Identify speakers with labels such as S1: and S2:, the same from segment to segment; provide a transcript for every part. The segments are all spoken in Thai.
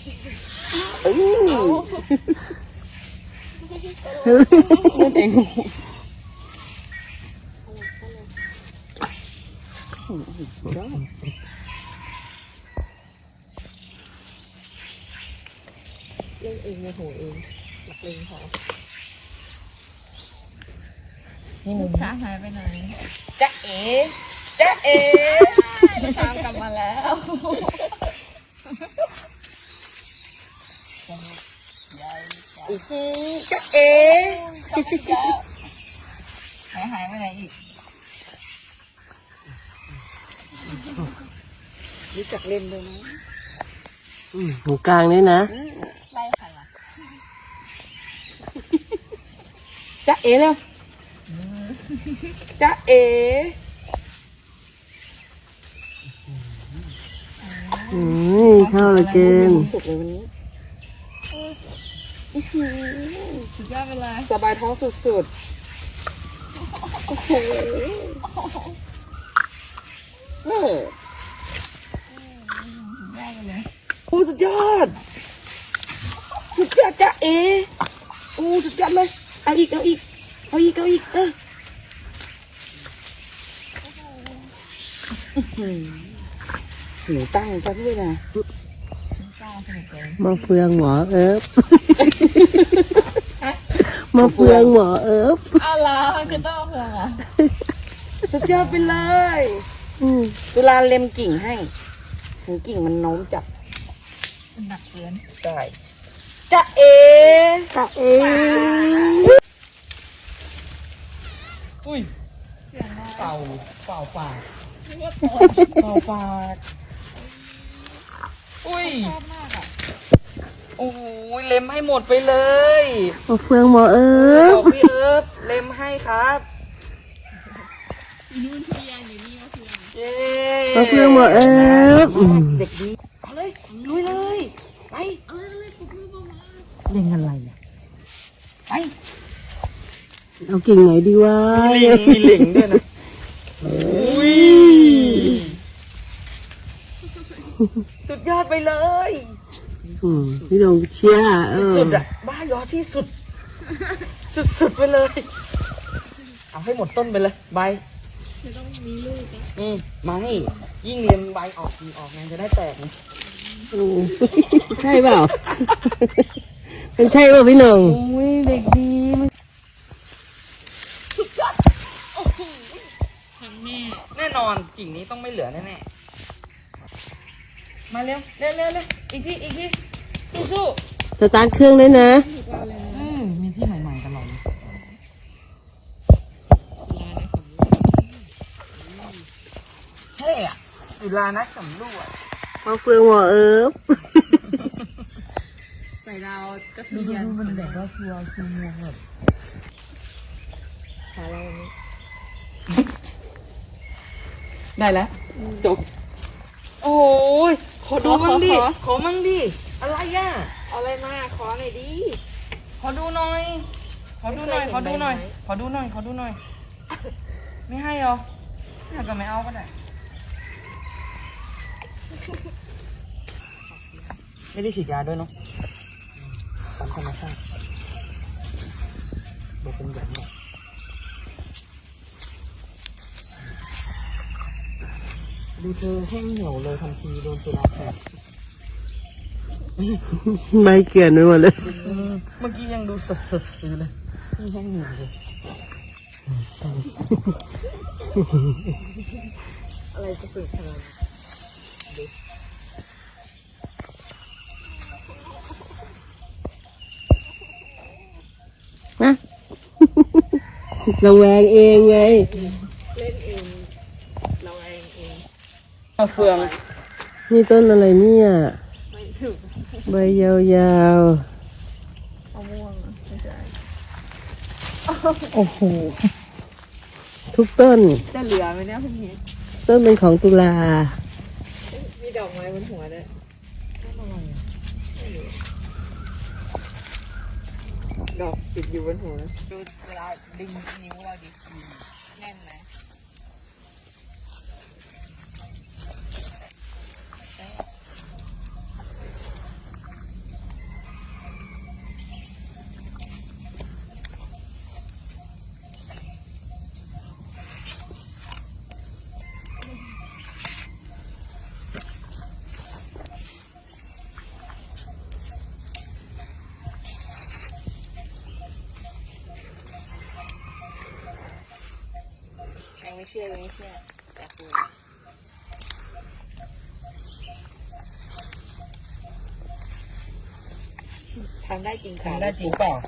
S1: เองเล่นเองโมโหเองหลักเลงพอนี่มึงช้างหายไปไหนจ๊ะเอ๋จ๊ะเอ๋ช้างกลับมาแล้วจ๊ะเอ๋หายไปไหนอีกรู้จักเล่นด้วยนะ
S2: หูกลางนี่นะ
S1: ไล่ใครอ่ะจ๊ะเอ๋เร็วจ๊ะเอ๋
S2: ชอบเหลือเกิน
S1: สุกเลยวันนี้สุดยอดไปเลยสบายท้องสุดๆโอ้โหโอ้สุดยอดสุดยอดจ๊ะเอ๋โอ้สุดยอดเลยเอาอีกหนูตั้งซะด้วยนะ
S2: มาเฟืองหมอเอิบมาเฟืองหมอเอิบ
S1: อะไรคือต้องเฟืองอ่ะสุดยอดไปเลยเวลาเล็มกิ่งให้ถึงกิ่งมันโน้มจับมันหนักเกินได้จ๊ะเอ๋อุ้ยเป่าปากอุ้ยโอ้ยเล็มให้หมดไปเลย
S2: มาเฟืองหมอเอิบ
S1: พี่เอิบเล็มให้ครับนู่นเพียงอยู่นี่
S2: มาเฟืองหมอเอิบ
S1: เด็กดีเอาเลยลุยเลยไปเล่นอะไรเนี่ยไป
S2: เอากิ่งไหนดีวะ
S1: มีลิงด้วยนะอุ้ยสุดยอดไปเลย
S2: พี่ลงเชียร์
S1: สุดอะบ้ายอที่สุดไปเลยเอาให้หมดต้นไปเลยใบจะต้องมีลูกไม่ยิ่งเรียนใบออกไงจะได้แตกไง
S2: ใช่เปล่าเป็นใช่เปล่าพี่ลง
S1: อุ้ยเด็กดีสุดยอดโอ้โหทำแน่นอนกิ่งนี้ต้องไม่เหลือแน่มาเร็วอีกทีสู้
S2: สตาร์ทเครื่องเลยนะ
S1: มีที่ใหม่ๆตลอดเลยเท่อะเวลานักสำรวจ
S2: มาเฟืองหมอเอิบ
S1: ใส่ดาวก็เทียนมันแบบว่าคือเมืองแบบหาเราได้แล้วจบโอ้ยขอดูมั่งดิอะไรอ่ะอะไรมาขอหน่อยดิขอดูหน่อยไม่ให้หรออยากก็ไม่เอาก็ได้ไม่ได้ฉีดยาด้วยเนาะตามธรรมชาติบอกเป็นแบบนี้ดูเธอแห้งเหี่ยวเลยทันทีโดนตุลาแสบ
S2: ไม่เกลียนไปหมดเลย
S1: เมื่อกี้ยังดูสดๆอยู่เลยนี่แห้งเหี่ยวเลยอะไรจะฝึกขนาด
S2: นะระแวงเองไง
S1: เล่นเองระแวงเองมะเฟือง
S2: นี่ต้นอะไรเนี่ยใบยาว
S1: ๆมะม่วงไม่ใช่โอ้โห
S2: ทุกต้น
S1: จะเหลือไหมเนี่ยพี่นี้
S2: ต้นเป็นของตุลา
S1: มีดอกไม้บนหัวด้วยดอกติดอยู่บนหัวดูเวลาดึงนิ้วเราดิแน่นไหม
S3: เชื่อไม่เชื่ออยากรู้ทำได้จริงค่ะ
S1: ทำได้จริงเปล่า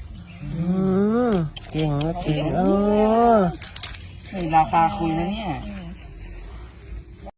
S2: เก่งนะเก่ง
S1: นี่ราคาคุยนะเนี่ย